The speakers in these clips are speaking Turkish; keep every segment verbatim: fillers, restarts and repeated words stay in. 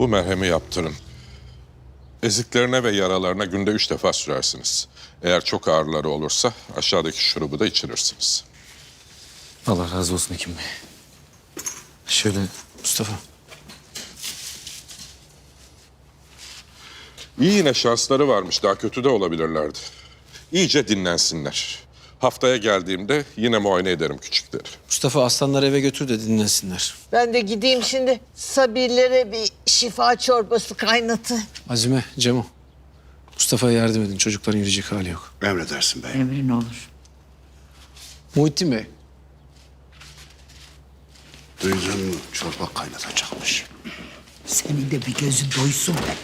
Bu merhemi yaptırın. Eziklerine ve yaralarına günde üç defa sürersiniz. Eğer çok ağrıları olursa aşağıdaki şurubu da içirirsiniz. Allah razı olsun Hekim Bey. Şöyle Mustafa. İyi, yine şansları varmış. Daha kötü de olabilirlerdi. İyice dinlensinler. Haftaya geldiğimde yine muayene ederim küçükleri. Mustafa aslanları eve götür de dinlensinler. Ben de gideyim şimdi Sabirlere bir şifa çorbası kaynatı. Azime, Cemo. Mustafa'ya yardım edin. Çocukların yürüyecek hali yok. Emredersin bey. Emrin olur. Muhittin Bey. Duydun mu? Çorba kaynatacakmış. Senin de bir gözün doysun be.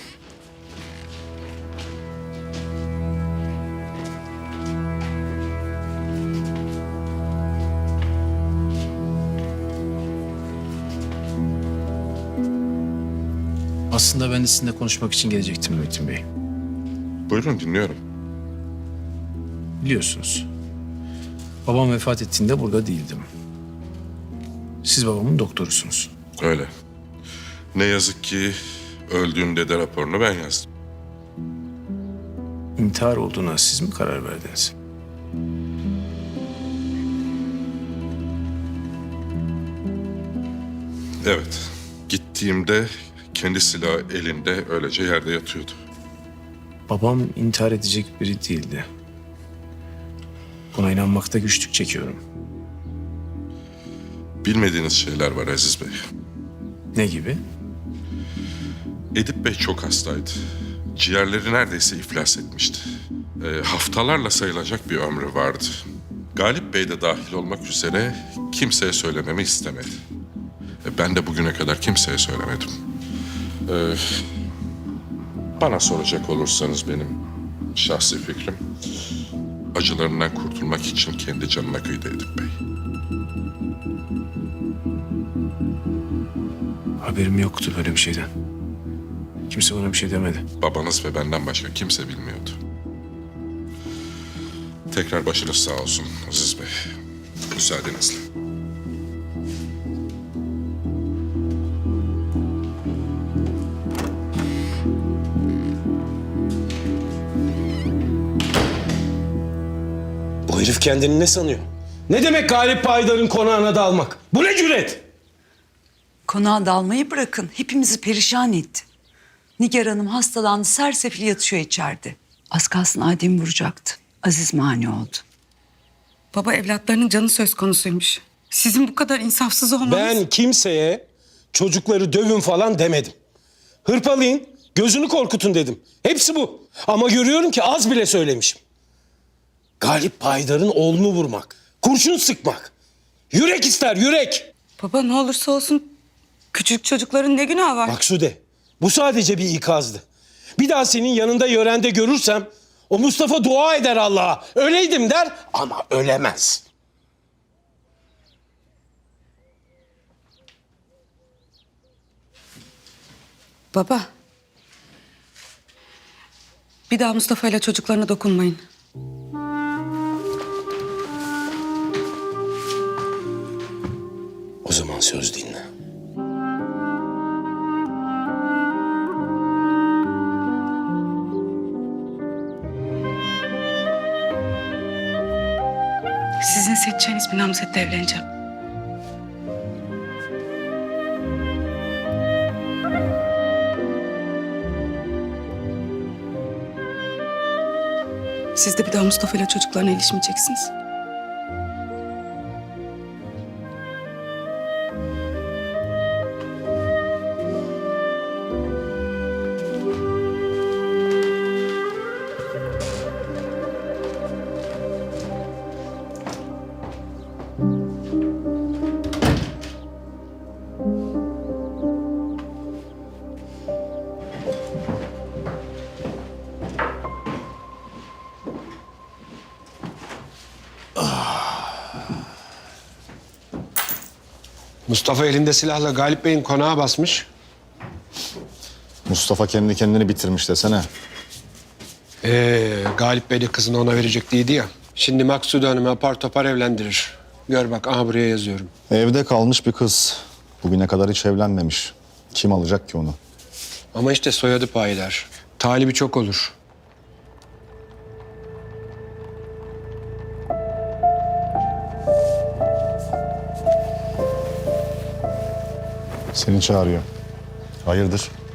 Aslında ben de sizinle konuşmak için gelecektim Muhittin Bey. Buyurun, dinliyorum. Biliyorsunuz. Babam vefat ettiğinde burada değildim. Siz babamın doktorusunuz. Öyle. Ne yazık ki öldüğünde de raporunu ben yazdım. İntihar olduğuna siz mi karar verdiniz? Evet. Gittiğimde kendi silahı elinde öylece yerde yatıyordu. Babam intihar edecek biri değildi. Buna inanmakta güçlük çekiyorum. Bilmediğiniz şeyler var Aziz Bey. Ne gibi? Edip Bey çok hastaydı. Ciğerleri neredeyse iflas etmişti. E, haftalarla sayılacak bir ömrü vardı. Galip Bey de dahil olmak üzere kimseye söylememi istemedi. E, ben de bugüne kadar kimseye söylemedim. E, bana soracak olursanız benim şahsi fikrim... acılarından kurtulmak için kendi canına kıydı Edip Bey. Haberim yoktu böyle bir şeyden. Kimse bana bir şey demedi. Babanız ve benden başka kimse bilmiyordu. Tekrar başınız sağ olsun Aziz Bey. Müsaadenizle. Bu herif kendini ne sanıyor? Ne demek Galip Paydar'ın konağına dalmak? Bu ne cüret? Konağa dalmayı bırakın. Hepimizi perişan etti. Nigar Hanım hastalandı. Sersefil yatıyor içeride. Az kalsın Adem'i vuracaktı. Aziz mani oldu. Baba evlatlarının canı söz konusuymuş. Sizin bu kadar insafsız olmanız... Ben kimseye çocukları dövün falan demedim. Hırpalayın, gözünü korkutun dedim. Hepsi bu. Ama görüyorum ki az bile söylemişim. Galip Paydar'ın oğlunu vurmak, kurşun sıkmak. Yürek ister, yürek. Baba ne olursa olsun küçük çocukların ne günahı var? Maksude, bu sadece bir ikazdı. Bir daha senin yanında yörende görürsem o Mustafa dua eder Allah'a. Öleydim der ama ölemez. Baba. Bir daha Mustafa ile çocuklarına dokunmayın. O zaman söz dinle. Sizin seçeceğiniz bir namzetle evleneceğim. Siz de bir daha Mustafa ile çocuklarına ilişmeyeceksiniz. Mustafa elinde silahla Galip Bey'in konağa basmış. Mustafa kendi kendini bitirmiş desene. Ee, Galip Bey de kızını ona verecek değildi ya. Şimdi Maksude Hanım'ı apar topar evlendirir. Gör bak, aha buraya yazıyorum. Evde kalmış bir kız. Bugüne kadar hiç evlenmemiş. Kim alacak ki onu? Ama işte soyadı payidar. Talibi çok olur. Seni çağırıyor. Hayırdır?